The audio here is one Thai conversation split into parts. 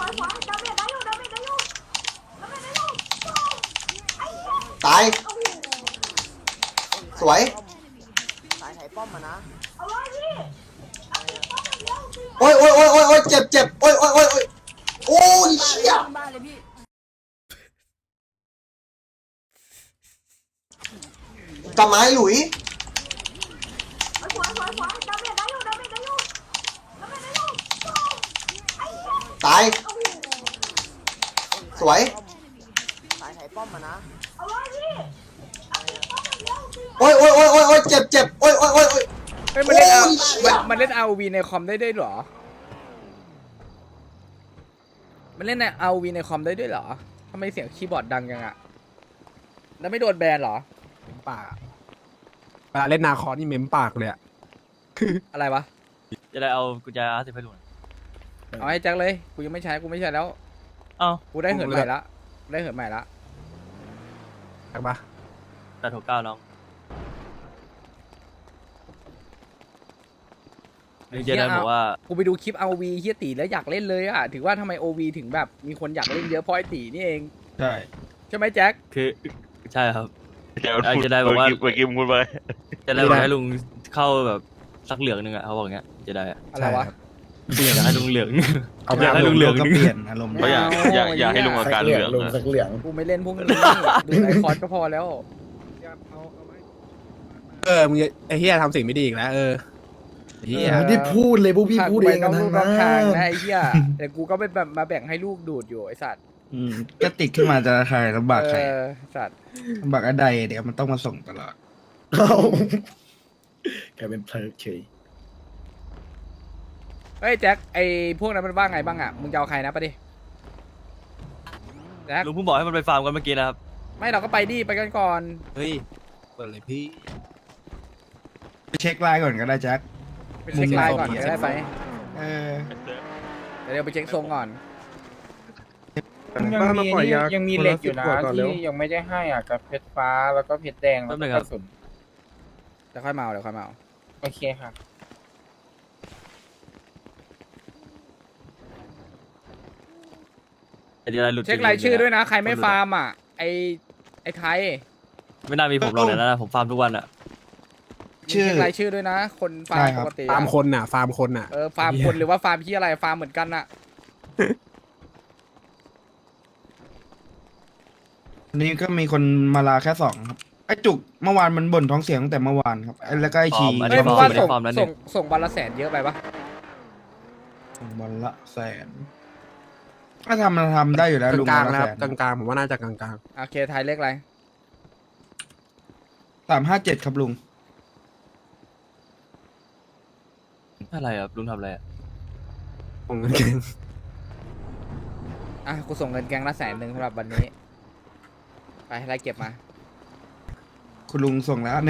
ตายสวยสายไถป้อมมานะโอ้ยโอ้ยโอ้ยโอ้ยโอ้ยเจ็บเจ็บโอ้ยโอ้ยโอ้ยโอ้ยโอ้ยเชี่ยกลับมาหลุยตายสวยสายไถป้อมมานะโอ้ยโอ้ยโอ้ยโอ้ยโอ้ยเจ็บเจ็บโอ้ยโอ้ยโอ้ยโอ้ยเฮ้ยมันเล่นเอามันเล่น ROV ในคอมได้ด้วยเหรอมันเล่นใน ROV ในคอมได้ด้วยเหรอทำไมเสียงคีย์บอร์ดดังจังอะแล้วไม่โดนแบนเหรอปากเวลาเล่นนาคอนี่เม้มปากเลยอะอะไรวะจะได้เอากุญแจR10ให้ลุงเอาให้แจ็คเลยกูยังไม่ใช้กูไม่ใช้แล้วเอ้ากูได้เหินใหม่ละได้เหินใหม่ละใช่ปะ 869น้องเจนบอกว่ากูไปดูคลิป ROV เฮียตีแล้วอยากเล่นเลยอะถือว่าทำไม OV ถึงแบบมีคนอยากเล่นเยอะเพราะไอ้ตีนี่เองใช่ไหมแจ็คคือใช่ครับจะได้บอกว่าเมื่อกี้มึงพูดไปจะได้บอกให้ลุงเข้าแบบสักเหลืองนึงอ่ะเขาบอกเงี้ยจะได้อะไรวะอยากให้ลุงเหลืองอยากให้ลุงเหลืองก็เปลี่ยนอารมณ์อยากให้ลุงอาการเหลืองสักเหลืองกูไม่เล่นพวกนี้ดูไอคอนก็พอแล้วมึงไอ้เฮียทำสิ่งไม่ดีอีกแล้วเฮียไม่ได้พูดเลยพวกพี่พูดเองกันทั้งนั้นนะไอ้เฮียแต่กูก็ไปแบบมาแบ่งให้ลูกดูดอยู่ไอ้สัตว์ก็ติดขึ้นมาจะใครลำบากใครสัตว์ลำบากอะไรเดี๋ยวมันต้องมาส่งตลอดแกเป็นเพลิดเฉยเฮ้ยแจ็คไอ้พวกนั้นมันว่าไงบ้างอ่ะมึงจะเอาใครนะไปดิแจ็คลุงเพิ่งบอกให้มันไปฟาร์มกันเมื่อกี้นะครับไม่เราก็ไปดิไปกันก่อนเฮ้ยเปิดเลยพี่ไปเช็คไลน์ก่อนก็ได้แจ็คไปเช็คไลน์ก่อนก็ได้ไปเดี๋ยวไปเช็คทรงก่อนยังมีเหล็กอยู่นะที่ยังไม่ได้ให้อ่ะกับเพชรฟ้าแล้วก็เพชรแดงแล้วก็กระสุนเดี๋ยวค่อยมาเดี๋ยวค่อยมาโอเคครับเช็ครายชื่อด้วยนะใครไม่ฟาร์มอ่ะไอ้ไทยไม่น่ามีผมหรอกนะผมฟาร์มทุกวันอ่ะเช็ครายชื่อด้วยนะคนฟาร์มปกติฟาร์มคนน่ะฟาร์มคนน่ะฟาร์มคนหรือว่าฟาร์มที่อะไรฟาร์มเหมือนกันน่ะนี่ก็มีคนมาลาแค่2ครับไอ้จุกเมื่อวานมันบ่นท้องเสียงตั้งแต่เมื่อวานครับแล้วก็ไอ้ชีเฮ้ยมึงว่าส่งวันละ100,000เยอะไปปะวันละ100,000ถ้ามันทำได้อยู่แล้วลุงกลางๆนะครับกลางๆผมว่าน่าจะกลางๆโอเคไทยเลขอะไร 357ครับลุงอะไรครับลุงทำอะไรผมเงินแกงกูส่งเงินแกงละ100,000สำหรับวันนี้ไปไล่เก็บมาคุณลุงส่งแล้ว1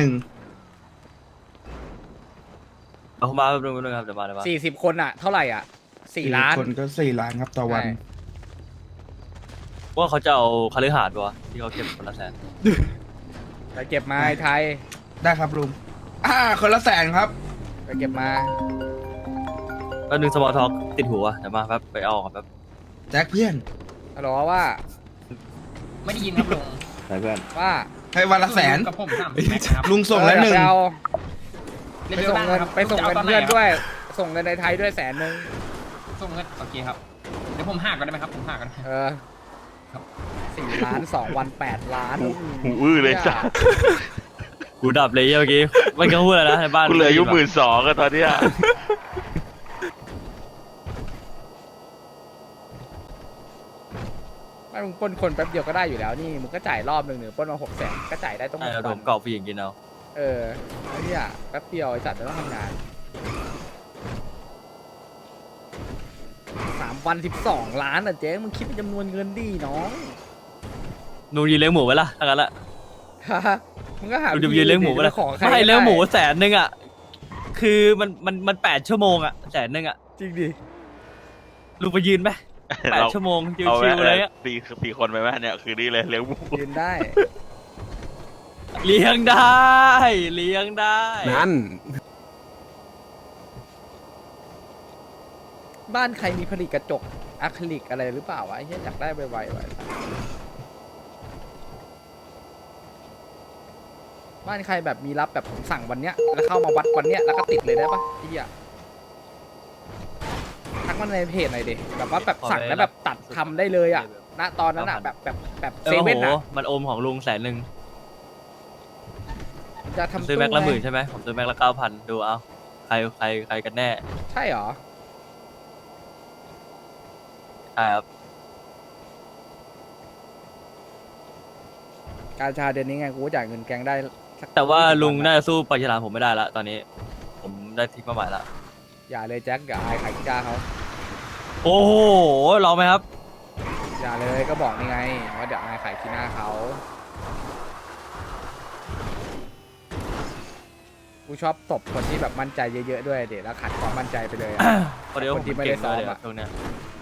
เอามาแป๊บนึงครับเดี๋ยวมา 40 คนอ่ะเท่าไหร่อ่ะ4 ล้านคนก็4 ล้านครับต่อวันว่าเขาจะเอาคฤหาสน์ป่ะที่เขาเก็บคนละ100,000 ไปเก็บมาไอ้ไทยได้ครับลุงคนละ100,000ครับไปเก็บมาแล้วนึงสมอลท็อกติดหัวเดี๋ยวมาแป๊บไปเอาครับแป๊บแจ็คเพื่อนฮัลโหลว่าไม่ได้ยินครับลุงไหนเพื่อนว่าให้วันละ100,000 กับผม300,000 ลุงส่งแล้ว1 ไปส่งเงินเพื่อนด้วยส่งเงินในไทยด้วย100,000 ส่งเงินโอเคครับเดี๋ยวผมหักกันได้ไหมครับผมหักกัน 4 ล้าน2 วัน8 ล้านหูอื้อเลยจ้ะกูดับเลยเมื่อกี้ไม่กล้าพูดอะไรนะในบ้านกูเหลืออายุ12,000กันตอนเนี้ยไม่มึงปล้นคนแป๊บเดียวก็ได้อยู่แล้วนี่มึงก็จ่ายรอบนึงปล้นมา600,000ก็จ่ายได้ต้องผมเก่าผู้หญิงกินเอาไอ้เนี่ยแป๊บเดียวไอ้สัตว์จะต้องทำงาน3 วัน12 ล้านอ่ะเจ๊มึงคิดเป็นจำนวนเงินดีน้องนูยืนเลี้ยงหมูไว้ละทั้งนั้นแหละมึงก็หายืนเลี้ยงหมูไว้ละไม่เลี้ยงหมู100,000อ่ะคือมัน8 ชั่วโมงอ่ะ100,000อ่ะจริงดิลุงไปยืนไหม8 ชั่วโมงชิวๆเลยอ่ะ 4 คนไปไหมเนี่ยคือนี่เลยเลี้ยงหมูยืนได้เลี้ยงได้นั่นบ้านใครมีผลิตกระจกอะคริลิกอะไรหรือเปล่าวะไอ้เหี้ยอยากได้ไวๆไว้บ้านใครแบบมีรับแบบผมสั่งวันเนี้ยแล้วเข้ามาวัดวันเนี้ยแล้วก็ติดเลยได้ปะไอ้เหี้ยทักมาในเพจหน่อยดิแบบว่าแบบสั่งแล้วแบบตัดทำได้เลยอ่ะณตอนนั้นอ่ะแบบเซโอ้โหเว่นอ่ะมันโอมของลุง100,000 จะทำซื้อแม็กละไง 10,000ใช่ไหมผมซื้อแม็กละ9,000ดูเอาใครกันแน่ใช่เหรอใช่ครับการชาเดือนนี้ไงกูก็จ่ายเงินแกงได้สักแต่ว่า 20 ลุงวันน่าอะจะสู้ปลาฉลามผมไม่ได้ละตอนนี้ ผมได้ทิ้งเป้าหมายละอย่าเลยแจ็คอย่าอายขายกีฬาเขาโอ้โหลองไหมครับอย่าเลยก็บอกนี่ไงว่าเดี๋ยวอายขายกีหน้าเขากูชอบตบคนที่แบบมั่นใจเยอะๆด้วยเดี๋ยวแล้วขัดความมั่นใจไปเลยอะพอเดี๋ยวผมคนที่ไม่เก่ได้งซ้เลอมยอะช่วงเนี้ย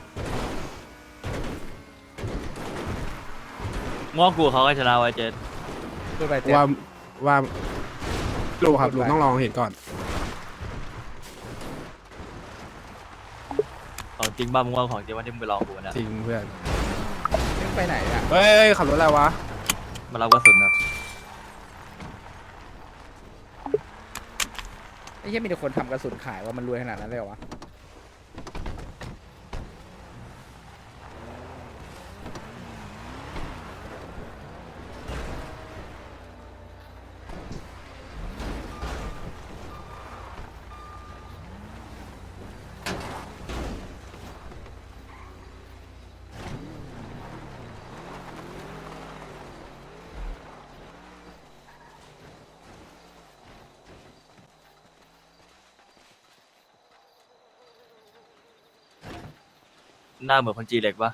ง้อกูเขาก็ชนะไว้เจนพูดไปเจ็บว่าลุงครับลุงต้องลองเห็นก่อนของจริงบ้ามึงว่าของจริงว่าที่มึงไปลองกูนะจริงเพื่อนมึงไปไหนอ่ะเฮ้ยขับรถอะไรวะมารับกระสุนครับไอ้เหี้ยมีแต่คนทำกระสุนขายว่ามันรวยขนาดนั้นเลยเหรอวะหน้าเหมือนคนจีเล็กปะ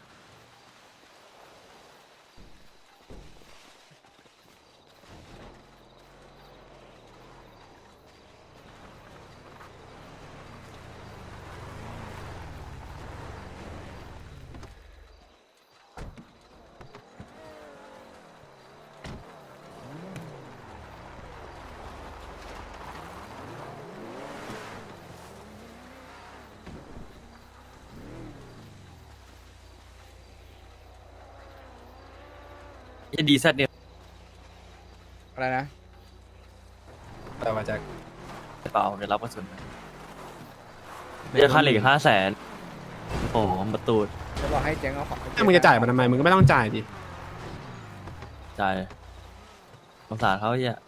ดีแซดเนี่ยอะไรนะแต่ว่าแจ็คเปล่าผมจะรับกระสุนไม่จะค่าเหล็ก500,000โอ้โหมาตูดจะบอกให้เจ๊งเอาของถ้ามึงจะจ่ายมันทำไมมึงก็ไม่ต้องจ่ายดิจ่ายสงสารเขาเหี้ย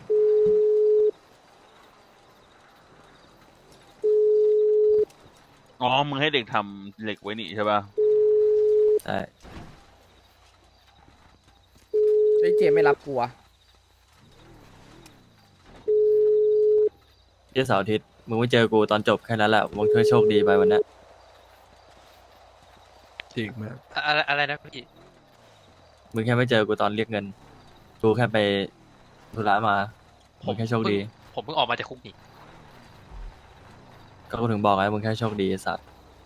อ๋อ มึงให้เด็กทำเหล็กไว้นี่ใช่ป่ะใช่ไอ้เจมไม่รับกูอะเที่ยวเสาร์อาทิตย์มึงไม่เจอกูตอนจบแค่นั้นแหละมึงเธอโชคดีไปวันเนี้ยจริงเพื่อนอะไรนะพี่มึงแค่ไม่เจอกูตอนเรียกเงินกูแค่ไปธุระมามึงแค่โชคดีผมเพิ่งออกมาจากคุกนี่ก็กูถึงบอกไงมึงแค่โชคดีไอ้สัตว์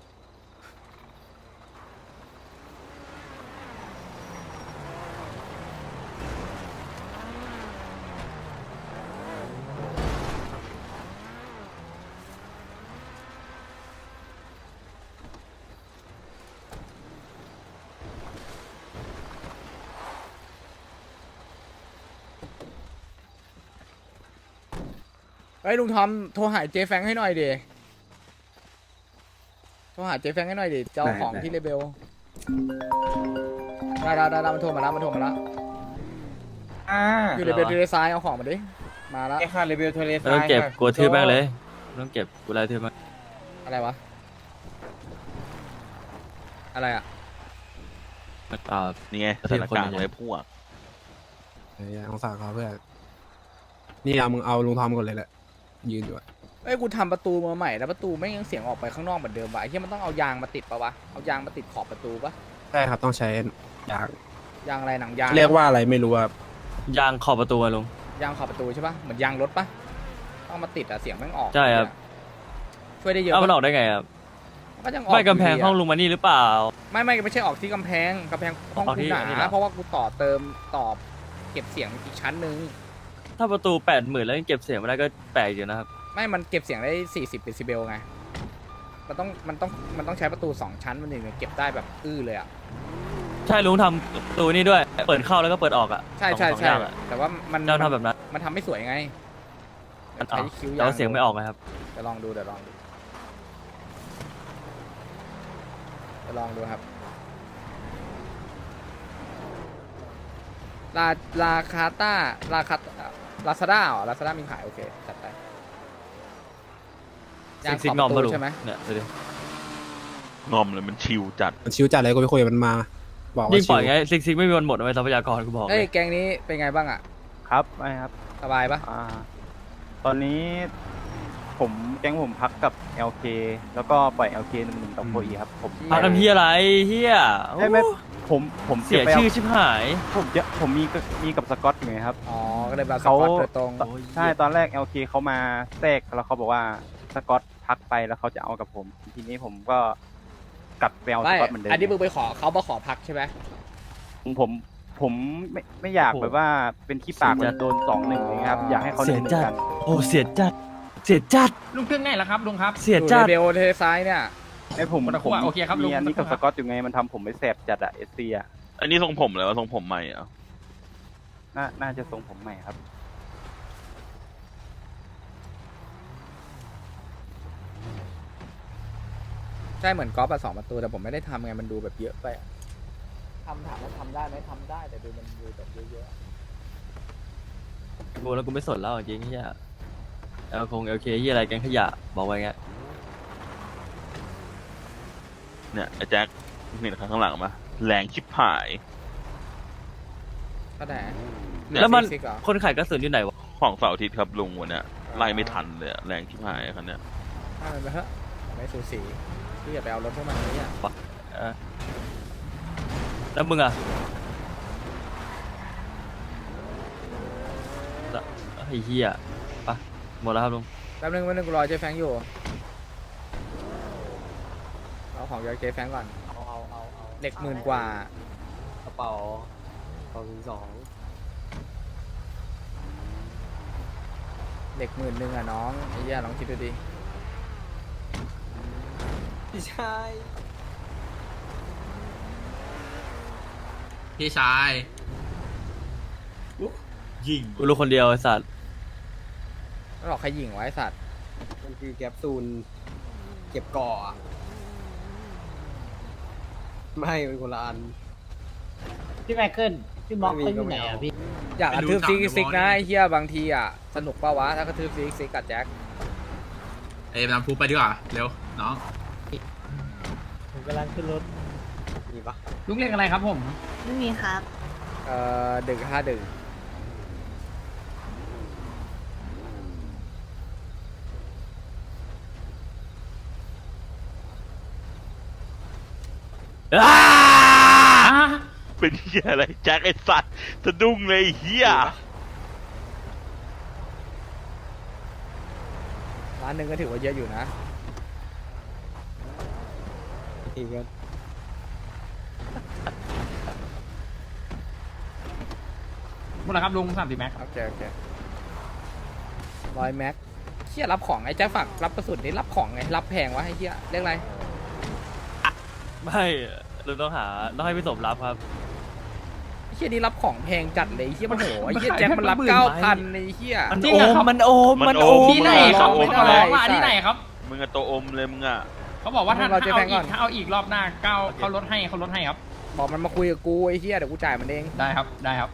เฮ้ยลุงทอมโทรหาเจแฟงให้หน่อยดิโทรหาเจแฟงให้หน่อยดิเจ้าของที่เลเบลได้มันโทรมาแล้วอยู่เลเบลทะเลทรายเอาของมาดิมาแล้วไอ้ค่ะรีวิวทะเลทไม่ราต้ยองเก็บค่ะกูทืบแม่งเลยไม่ต้องเก็บกูไล่ทืบแม่งอะไรวะอะไรอะอ่านี่ไงสถานการณ์ไว้พวกเฮ้ยสงสารเขาเพื่อนนี่เอามึงเอาลุงทอมก่อนเลยแหละยืนอยู่อะเอ้ยกูทำประตูมาใหม่แล้วประตูไม่งยังเสียงออกไปข้างนอกเหมือนเดิมวะไอ้เหี้ยมันต้องเอายางมาติดปะวะเอายางมาติดขอบประตูปะใช่ครับต้องใช้ยางยางอะไรหนังยางเรียกว่าอะไรไม่รู้ครับยางขอบประตูอะลุงยางขอบประตูใช่ปะเหมือนยางรถปะต้องเอามาติดอะเสียงแม่งออกใช่ครับช่วยได้เยอะเอ้าปะมันออกได้ไงครับก็ยังออกไม่กำแพงยู่ดีะห้องลุงมานี่หรือเปล่าไม่ใช่ออกที่กำแพงห้องออกที่กูหอันนี้เหรนาอเพราะว่ากูต่อเติมต่อเก็บเสียงอีกชั้นหนึ่งถ้าประตู80,000แล้วยังเก็บเสียงไม่ได้ก็แปลกอยู่นะครับไม่มันเก็บเสียงได้40 เดซิเบลไงมันต้องใช้ประตู2 ชั้นมันถึงจะเก็บได้แบบเลยอ่ะใช่ลุงทำประตูนี่ด้วย เปิดเข้าแล้วก็เปิดออกอ่ะใช่สองอย่างอะแต่ว่ามันเจ้าทำแบบนั้นมันทำไม่สวยไงมันใช้คิ้วแต่ว่าเสียงไม่ออกนะครับเดี๋ยวลองดูครับลาคาต้าลาซาด้าเหรอลาซาด้ามีขายโอเคจัดไปซิกงอมขบมาประลุตูงใช่ไหมเนี่ยดูดิงอมเลยมันชิวจัดมันชิวจัดเลยกูไปคุยกับมันมา บอกว่ายิ่งชิปวล่อยไงซิกไม่มีวันหมดเอาไว้ทรัพยากรกูบอกเลเอ้ยยแกงนี้เป็นไงบ้างอ่ะครับไม่ครับสบายปะตอนนี้แก๊งผมพักกับ LK แล้วก็ปล่อย LK 1-1กับโคอีครับผมพักกันพี่อะไรเฮียไม่ผมเสียจะไปชื่อชิบหายผมมีกับสกอตอยู่ไงครับอ๋อก็เลยแบบสเขาปอตโดยตรงใช่ตอนแรก LK เขามาแทรกแล้วเขาบอกว่าสกอตพักไปแล้วเขาจะเอากับผม ทีนี้ผมก็กลับไปเอาสไม่กอตเหมือนเดิมอันนี้มึงไปขอเขามาขอพักใช่ไหมผมไม่อยากแบบว่าเป็นขี้ปากเหมือนโดน2-1เลยครับอยากให้เขาเสีย 1-1 จัดกันโอ้เสียจัดเสียจัดลุงเครื่องไหนล่ะครับลุงครับเสียอยู่จัในดเบลเทซ้ายเนี่ยไอ้ผมคนละขั้วโอเคครับลุงมีอันนี้กับสกอตอยู่ไงมันทำผมไม่แสบจัดอะเอสเซียอันนี้ทรงผมเลยวะทรงผมใหม่เหรอ่ะน่าจะทรงผมใหม่ครับใช่เหมือนกอล์ฟอะ2 ประตูแต่ผมไม่ได้ทำไงมันดูแบบเยอะไปอะถามว่าทำได้ไหมทำได้แต่ดูมันดูแบบเยอะกูแล้วกูไม่สนแล้วจริงเฮียเอลเคเฮียอะไรแกงขยะบอกไว้ไงเนี่ยไอ้แจ็คนี่ข้างหลังมาแรงชิบหายๆก็ได้แล้วมันซิกเหรอคนขายกระสุนอยู่ไหนวะของเสาร์อาทิตย์ครับลุงวันเนี้ยไล่ไม่ทันเลยอะแรงชิบหายคันเนี้ยถ้ามันไปเถอะไม่สูสีพี่อย่าไปเอารถพวกมันเลยอ่ะแล้วมึงอะแล้วไอ้เฮียไปหมดแล้วครับลุงแป๊บนึงกูรอเจ๊แฟงอยู่เอาของจากเจ๊แฟงก่อนเหล็ก10,000 กว่ากระเป๋า202 เหล็ก10,000อ่ะน้องไอ้เหี้ยลองคิดดูดิพี่ชายพี่ชายกูรู้คนเดียวไอ้สัตว์ไม่หรอกใครยิงไว้สัตว์มันคือแกปซูลเก็บก่ออะไม่เป็นคนละอันพี่ไมเคิลพี่ม็อกเขาอยู่ไหนอ่ะพี่อยากกระทืบซิกนะไอ้เหี้ยบางทีอ่ะสนุกป่าวะถ้ากระทืบซิกกับแจ็คเอ้ยนำพูไปดีกว่า เร็ว น้องผมกำลังขึ้นรถมีปะลุงเรียกอะไรครับผมไม่มีครับดึก5 ดึกเป็นเฮียอะไรแจ็คไอ้สัตว์สะดุ้งเลยไอ้เฮียร้านหนึ่งก็ถือว่าเยอะอยู่นะอีกกันหมดแล้วครับลุง30แม็กโอเค100 แม็กเหี้ยรับของไอ้แจ็คฝากรับกระสุนนี่รับของไงรับแพงวะไอ้เหี้ยเรียกอะไรไม่ลุงต้องให้พี่สมรับครับไอ้เหี้ยนี่รับของแพงจัดเลยไอ้เหี้ยมันโหไอ้เหี้ยแจ็คมันรับ 9,000ไอ้เหี้ยมันโอมมันโอมมันโอมที่ไหนครับไม่ผมได้ขอร้องว่าที่ไหนครับมึงอะตัวอมเลยมึงอะเขาบอกว่าถ้าเราจะแพงก่อนเอาอีกรอบหน้าเขาลดให้ครับบอกมันมาคุยกับกูไอ้เหี้ยเดี๋ยวกูจ่ายมันเองได้ครับได้ครับ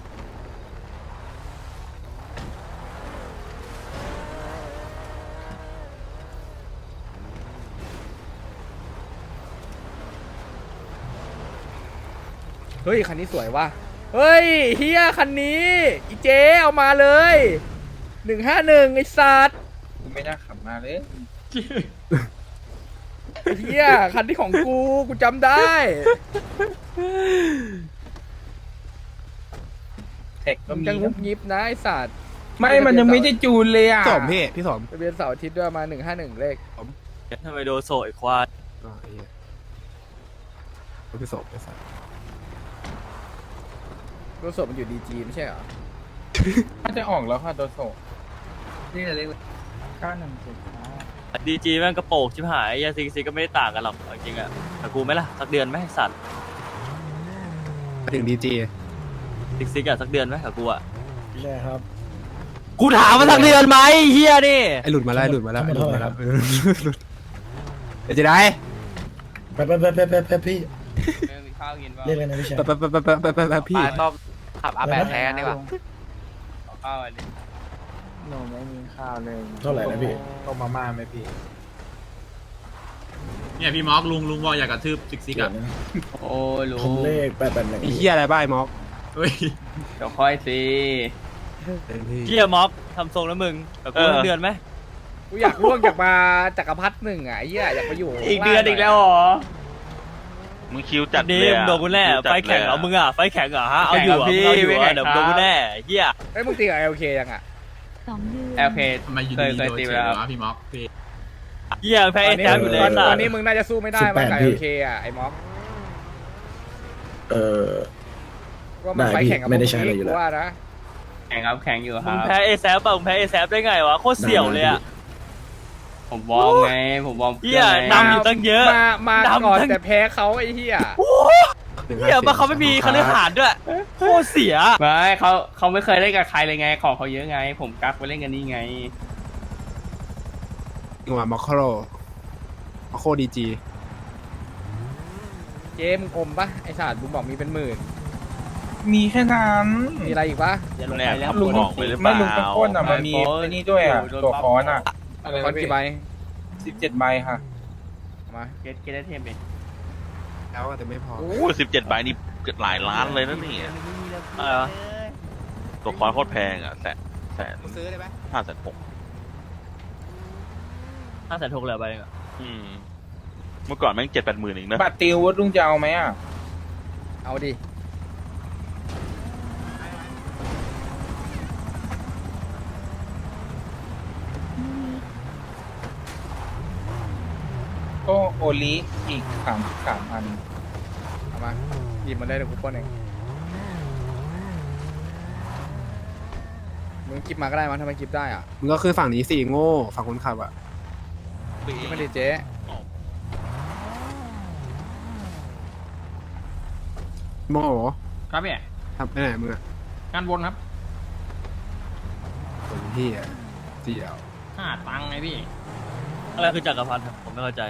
เฮ้ยคันนี้สวยว่ะเฮ้ยเฮียคันนี้อีเจเอามาเลย151ไอ้สัตว์ผมไม่น่าขับมาเลยเฮียคันที่ของกูจำได้เทคก็มึงมีจะงุบงิบนะไอ้สัตว์ไม่มันยังไม่ได้จูนเลยอ่ะสมพี่สมทะเบียนเสาร์อาทิตย์ด้วยมา151เลขทำไมโดนโซไอ้ควายอ๋อไอ้เหี้ยพี่สมไอ้สัสรถสดมันอยู่ดีจีไม่ใช่เหรอน่าจะออกแล้วค่ะโดโซนี่อะไร 91 ดีจีแม่งกระโปงชิบหายยาซิกซิกก็ไม่ได้ต่างกันหรอกจริงๆอะแต่กูไหมล่ะสักเดือนไหมสัตว์ถึงดีจีซิกซิกอะสักเดือนไหมกับกูอะใช่ครับกูถามมาสักเดือนไหมเฮียนี่ไอหลุดมาแล้วไอหลุดมาแล้วไอหลุดมาแล้วหลุดเดี๋ยวจะได้ไปพี่ข้าวกินป่ะเรียกอะไรนะพี่ชายไปพี่ต้องขับอาแปดแทนดีกว่าข้าวอะไรหนูไม่มีข้าวเลยเท่าไหร่นะพี่ต้มมาม่าไหมพี่เนี่ยพี่ม็อกลุงบอกอยากกระทืบซิกซิกอ่ะโอ้ลุผมงเลข881 ไอ้เหี้ยอะไรบ้าไอ้ม็อกเฮ้ยเดี๋ยวค่อยสิเฮียม็อกทำทรงแล้วมึงกับกูสักเดือนไหมกูอยากล่วงจากมาจักรพรรดิหนึ่งอ่ะไอ้เหี้ยอยากไปอยู่อีกเดือนอีกแล้วเหรอมึงคิวจัดนี่เลยมึงอะโดนกูแน่คิวจัดไฟแข่งเหรอลยะมึงอะไฟแข่งเหรอฮะเอาอยู่อะมึงเอาอยู่อะเดี๋ยวโดนกูแน่เฮียเฮ้ยมึงตีกับ LK ยังอ่ะ 2 เดือนโอเคทำไมอยูดีๆโดนเฉยเลยวะพี่ม็อกพี่เฮียแพ้ตไอ้อนนี้แซมอยู่เลยตอนสัตอตนว์นี้มึงน่าจะสู้ไม่ได้มั้งกับ LK อ่ะไอ้ม็อก ว่ามันได้ไฟพี่แข่งกับไม่ได้ใช้อะไรอยู่กูแล้วว่านะแข่งครับแข่งอยู่คมึรังบแพ้ไอ้แซมป่ะมึงแพ้ไอ้แซมได้ไงวะโคตรเสี่ยวเลยอะผมวอร์มไง ผมวอร์มเฮียนำอยู่ตั้งเยอะมาดำก่อนทั้งแต่แพ้เขาไอ้เหี้ยเฮียมาเขาไม่มีคฤหาสน์ด้วยโคตรเสียไม่เขาไม่เคยเล่นกับใครเลยไง ของเขาเยอะไง ผมกักไปเล่นกันนี่ไงจังหวะม็อกโคดีจีเจมงอมปะไอ้ศาสตร์มึงบอกมีเป็นหมื่นมีแค่นั้นมีอะไรอีกปะแน่ครับลุงบอกไปหรือเปไม่ล่าลุงเป็นคนอ่ะ มันมีไอ้นี่ด้วยอ่ะ ตัวคอนอ่ะคอนกี่ใบ 17 ใบค่ะมาเกตได้เทมเองแล้วแต่ไม่พอโอ้17 ใบนี่เกือบหลายล้านเลยนะเนี่ยอะไรวะตัวคอนโคตรแพงอ่ะแสนซื้อได้ไหม 560,000 560,000เหลือไปเองอะเมื่อก่อนแม่ง7-8 หมื่นเองนะบัตรติววุฒิลุงจะเอาไหมอ่ะเอาดิก็โอลิอีก3อันเอามาหยิบมาได้เดี๋ยวกูปล้นเองมึงกิบมาก็ได้มั้งทำไมกิบได้อ่ะมึงก็คือฝั่งนี้สี่โง่ฝั่งคนขับอ่ะกิบมาดิเจ๊โม่ครับพี่ทำไปไหนมึงอ่ะงานวนครับคนที่อ่ะเสี่ยว 5 ตังค์ไงพี่อะไรคือจักรพรรดิผมไม่เข้าใจ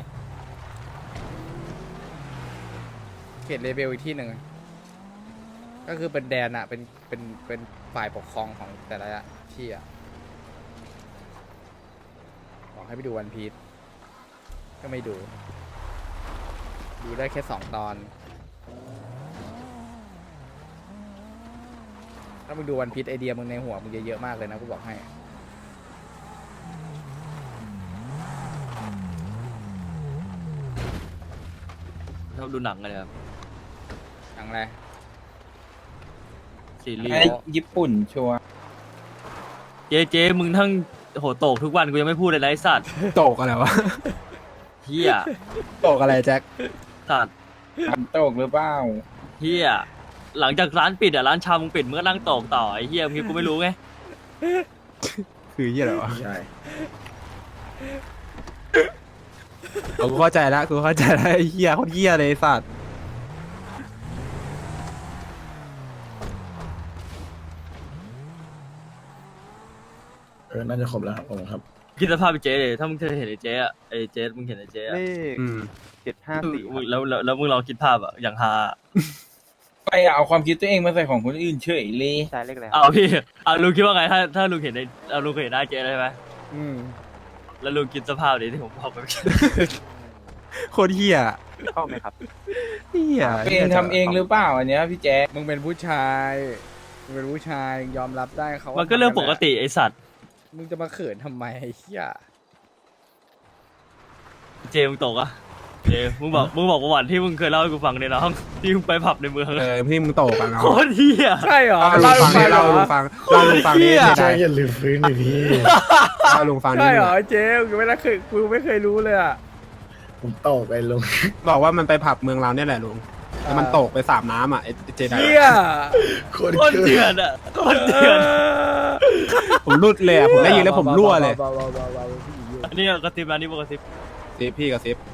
เขตเลเบลอีกที่หนึ่งอะก็คือเป็นแดนอ่ะเป็นฝ่ายปกครองของแต่ละที่อ่ะบอกให้ไปดูวันพีชก็ไม่ดู ดูได้แค่2 ตอน ถ้ามึงดูวันพีชไอเดียมึงในหัวมึงจะเยอะมากเลยนะกูบอกให้ชอบดูหนังกันเลยครับหนังอะไรซีรีไอ้ส์ญี่ปุ่นชัวร์เจ๊มึงทั้งโหโตกทุกวันกูยังไม่พูดเลยนะไอ้สัตว์โตกอะไรวะเฮียโตกอะไรแจ็คสัตว์อันโตกหรือเปล่าเฮียหลังจากร้านปิดอ่ะร้านชามึงปิดมึงก็นั่งโตกต่อไอ้เฮียมึงคิดกูไม่รู้ไงคือเหี้ยอะไรวะใช่กูเข้าใจแล้วไอ้เหี้ยโคตรเหี้ยเลยไอ้สัตว์น่าจะครบแล้วครับผมครับคิดสภาพไอ้เจ๊เลยถ้ามึงเคยเห็นไอ้เจ๊อะไอ้เจ๊มึงเห็นไอ้เจ๊อะเลขอืม 754 แล้วมึงลองคิดภาพอะอย่างฮาไปเอาความคิดตัวเองมาใส่ของคนอื่นเฉยเลยใช่เลขอะไรเอาพี่เอาลุงคิดว่าไงถ้าลุงเห็นลุงเคยเห็นหน้าเจ๊เลยใช่ไหมอืมแล้วลุงคิดสภาพดิที่ผมบอกไปโคตรเหี้ยเข้าไหมครับเหี้ยตัวเองทำเองหรือเปล่าอันเนี้ยพี่แจ๊คมึงเป็นผู้ชายมึงเป็นผู้ชายยอมรับได้เขามัมันก็เรื่องปกติไอ้สัตว์มึงจะมาเขินทำไมไอ้เหี้ยเจมึงตกอะเจมึงบอกประวัติที่มึงเคยเล่าให้กูฟังเนี่ยน้องที่มึงไปผับในเมืองพี่มึงโตกอ่ะเนาะโคตรเฮียใช่เหรอเล่าลุงฟังให้เล่าลุงฟังนี่ใช่ได้อย่าลืมฟื้นดิพี่เล่าลุงฟังนี่ใช่เหรอเจ๊กูไม่เคยรู้เลยอ่ะผมตกไปลงบอกว่ามันไปผับเมืองเราเนี่ยแหละลุงแล้วมันตกไปสามน้ำอ่ะไอ้เจไดเหี้ยโคตรโคตรเดือดอะโคตรเดือดผมรุดเลยอ่ะผมได้ยินแล้วผมรั่วเลยเบาๆๆๆๆผู้หญิงอยู่นี่กระซิบนะนี่กระซิบซิปพี่กับซิป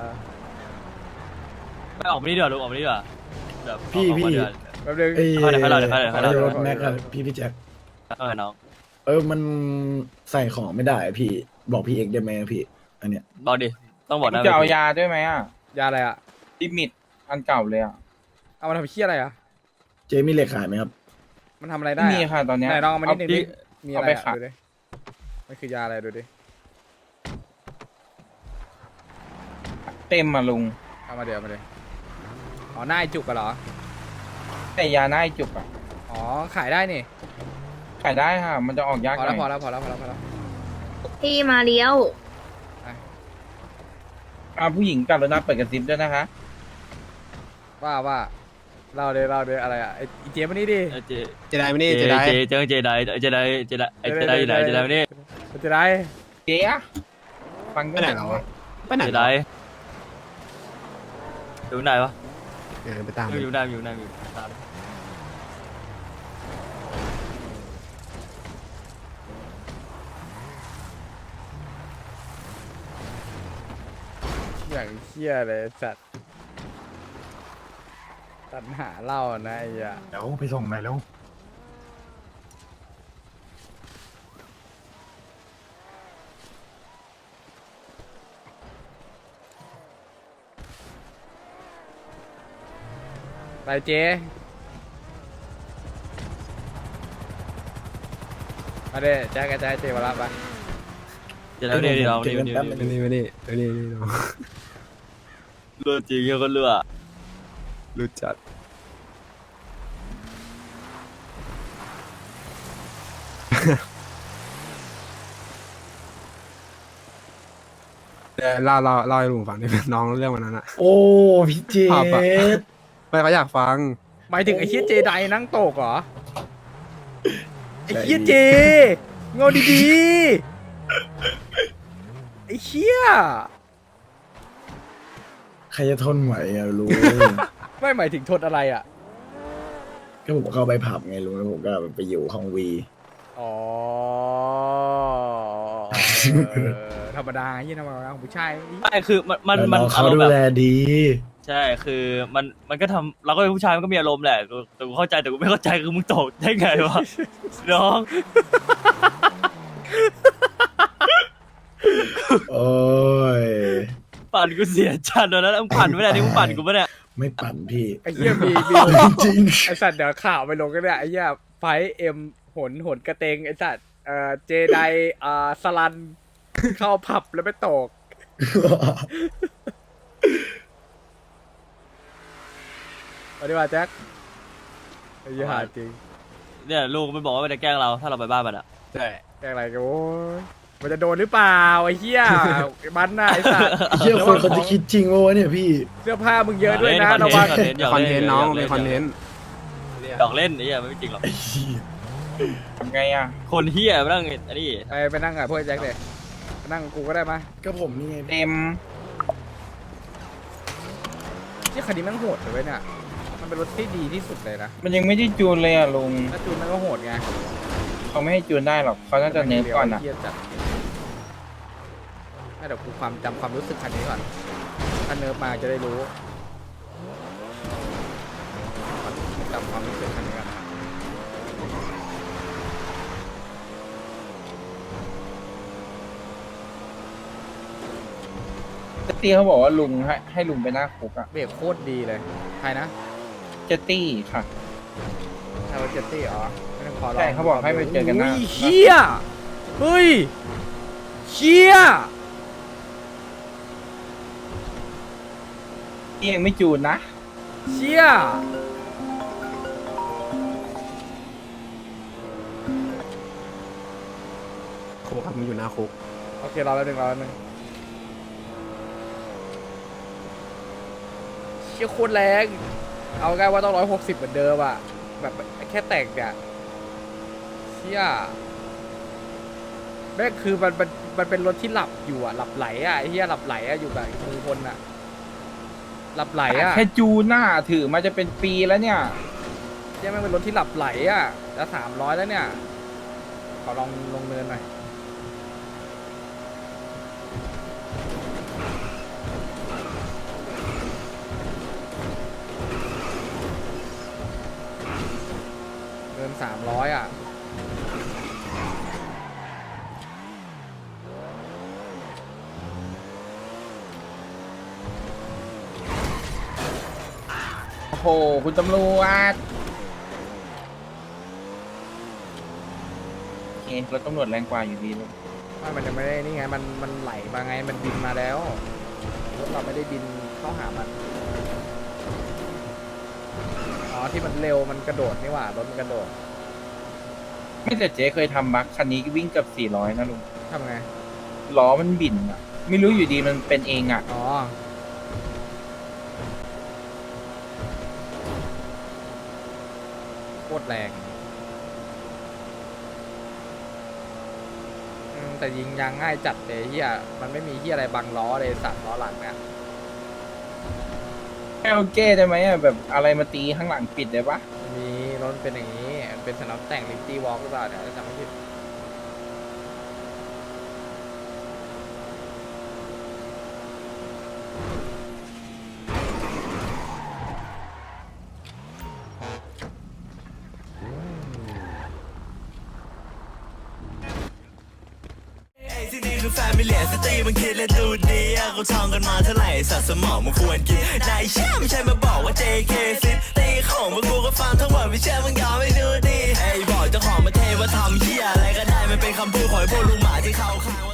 ไม่ออกมานี่ดีกว่าลุงออกมานี่ดีกว่าแบบพี่ออกมาเดือนแป๊บนึงไอ้เดี๋ยวให้เรารถแม็กอะพี่แจ็คน้องมันใส่ของไม่ได้อะพี่บอกพี่เอกได้ไหมอะพี่ อันเนี้ยบอกดิต้องบอกนะจะเอายาด้วยไหมอ่ะยาอะไรอ่ะลิมิตอันเก่าเลยอ่ะเอามาทำเชี่ยอะไรอ่ะเจมีเหล็กขายไหมครับมันทำอะไรได้ไม่มีอะค่ะตอนเนี้ยไหนลองเอามานิดนึงดิมีอะไรเอาไปอะขายดูดิมันคือยาอะไรดูดิเต็มมาลุงเอามาเดี๋ยวเอามาเดี๋ยวอ๋อหน้าไอ้จุกกันเหรอแต่ยาหน้าไอ้จุกอ่ะอ๋อขายได้นี่ขายได้ค่ะ มันจะออกยากพอหน่แล้วพออยแล้วพอแล้วพอแล้วพอแล้วพี่มาเลี้ยวผู้หญิงกับรถน้ำเปิดกระซิบด้วยนะคะว่าเราเดี๋ยวอะไรอ่ะไอ้เจมันนี่ดิเจไดไม่นี่เจไดเจไดอยู่ไหนเจไดมานี่จะได้เจ๊อะฟังไปไหนเหรอวะไปไหนเจเหรไดออยู่ไหนวะไปตามอยู่ไหนตามอย่างเชี่ยเลยสัตว์ตัดหาเหล่านะไอ้ยาเดี๋ยวไปส่งหน่อยแล้วไปเจมาเด้แจ็คจะให้เจมารับไปเจไดนี่เรานี่มานี่มานี่น้องเลือดจริงก็เลือดรู้จัดเล่าให้ลุงฟังดิน้องเรื่องวันนั้นอะโอ้พี่เจภาพอะ ไม่เขาอยากฟังหมายถึงไอ้เฮียเจไดนั่งโตกเหรอไอ้เฮียเจเงาดีๆไอ้เฮียใครจะทนไหวอะลุงไม่หมายถึงทนอะไรอ่ะก็ผมเข้าไปผับไงลุงแล้วผมก็ไปอยู่ห้องวีอ๋อธรรมดายี่ธรรมดาของผู้ชายไม่คือมันแล้วน้องเขาอารมดูณ์แบบแลดีใช่คือมันก็ทำเราก็เป็นผู้ชายมันก็มีอารมณ์แหละแต่กูเข้าใจแต่กูไม่เข้าใจคือมึงตกได้ไงวะน้องโอ้ยปั่นกูเสียจัดเลยนะมึงปั่นไม่ได้นี่มึงปั่นกูไม่ได้ไม่ปั่นพี่ไอ้เหี้ยมีจริงไอ้สัตว์เดี๋ยวข่าวไปลงกันเนี่ยไอ้เหี้ยไฟเอ็มหนกระเตงไอ้สัตว์เจไดสลันเข้าผับแล้วไปตกสวัสดีว่าแจ็คไอ้เหี้ยหาจริงเนี่ยลูกมันบอกว่ามันจะแกล้งเราถ้าเราไปบ้านมันอ่ะใช่แกล้งอะไรกันโว้ยมันจะโดนหรือเปล่าไอ้เหี้ยมันน่ะไอ้สัตว์เชื่อคนเขาจะคิดจริงวะเนี่ยพี่เสื้อผ้ามึงเยอะด้วยนะระวังคอนเทนต์น้องเป็นคอนเทนต์ดอกเล่นไอ้เหี้ยไม่จริงหรอกทำไงอ่ะคนเหี้ยมานั่งอันนี้ไปนั่งกับพวกไอ้แจ็คเลยไปนั่งกับกูก็ได้มาก็ผมนี่ไงเต็มที่คันนี้แมันโหดเลยเว้ยเนี่ยมันเป็นรถที่ดีที่สุดเลยนะมันยังไม่ได้จูนเลยอ่ะลุงถ้าจูนมันก็โหดไงเขาไม่ให้จูนได้หรอกเขาน่าจะเน้นก่อนอ่ะเหี้ยจัดให้เดี๋ยวกูจำความรู้สึกคันนี้ก่อนถ้าเนิร์ฟมาจะได้รู้จำความรู้สึกคันนี้ก่อนเจตตี้เขาบอกว่าลุงให้ลุงไปหน้าคุกอ่ะเบรกโคตรดีเลยใครนะเจตตี้ค่ะใช่ว่าเจตตี้อ๋อไม่ต้องขอลองใช่เขาบอกให้ไปเจอกันหน้าอุ้ยเชี่ยเฮ้ยเชี่ยนี่ยังไม่จูนนะเชี่ยคุกครับมันอยู่หน้าคุกโอเครอแล้วหนึ่งเชี่ยโคตรแรงเอาง่ายว่าต้อง160เหมือนเดิมอะแบบแค่แต่งเนี่ยเชี่ยแม่งคือมันเป็นรถที่หลับอยู่อะหลับไหลอะไอ้เหี้ยหลับไหลอะอยู่แบบมือคนอะหลับไหลอะแค่จูนหน้าถือมาจะเป็นปีแล้วเนี่ยเชี่ยแม่งเป็นรถที่หลับไหลอะจะ300แล้วเนี่ยขอลองลงเนินหน่อย 300อ่ะโอ้โหคุณตำรวจโอเครถตำรวจแรงกว่าอยู่ดีเลยมันยังไม่ได้นี่ไงมันไหลมาไงมันบินมาแล้วรถเราไม่ได้บินเข้าหามันอ๋อที่มันเร็วมันกระโดดนี่หว่ารถมันกระโดดไม่แต่เจ๊เคยทำบัคคันนี้วิ่งเกับ400นะลุงทำไงล้อมันบินอ่ะ ไม่รู้อยู่ดีมันเป็นเองอ่ะอ๋อโคตรแรงแต่ยิงยางง่ายจัดเลยเฮียมันไม่มีเฮียอะไรบังล้อเลยสัตว์ล้อหลังเนี่ยไม่เอาเก้ได้ไหมอ่ะแบบอะไรมาตีข้างหลังปิดได้ปะมีรถเป็นอย่างนี้มันเป็นสนับแต่งลิฟตี้วอล์กหรือเปล่าเนี่ยจำไม่ผิดที่นี่คือแฟมิเลียสตรีมันคิดและดูดีกูท่องกันมาเท่าไหร่สัตว์สมองมันควรกินนายเชื่อไม่ใช่มาบอกว่า JK ซิตีของมึงกูก็ฟังทั้งหมดไม่เชื่อมึงยอมไม่ดูดีไอ้บอกเจ้าของประเทศว่าทำเหี้ยอะไรก็ได้มันเป็นคำพูดของไอ้พวกลุงหมาที่เขาข้าง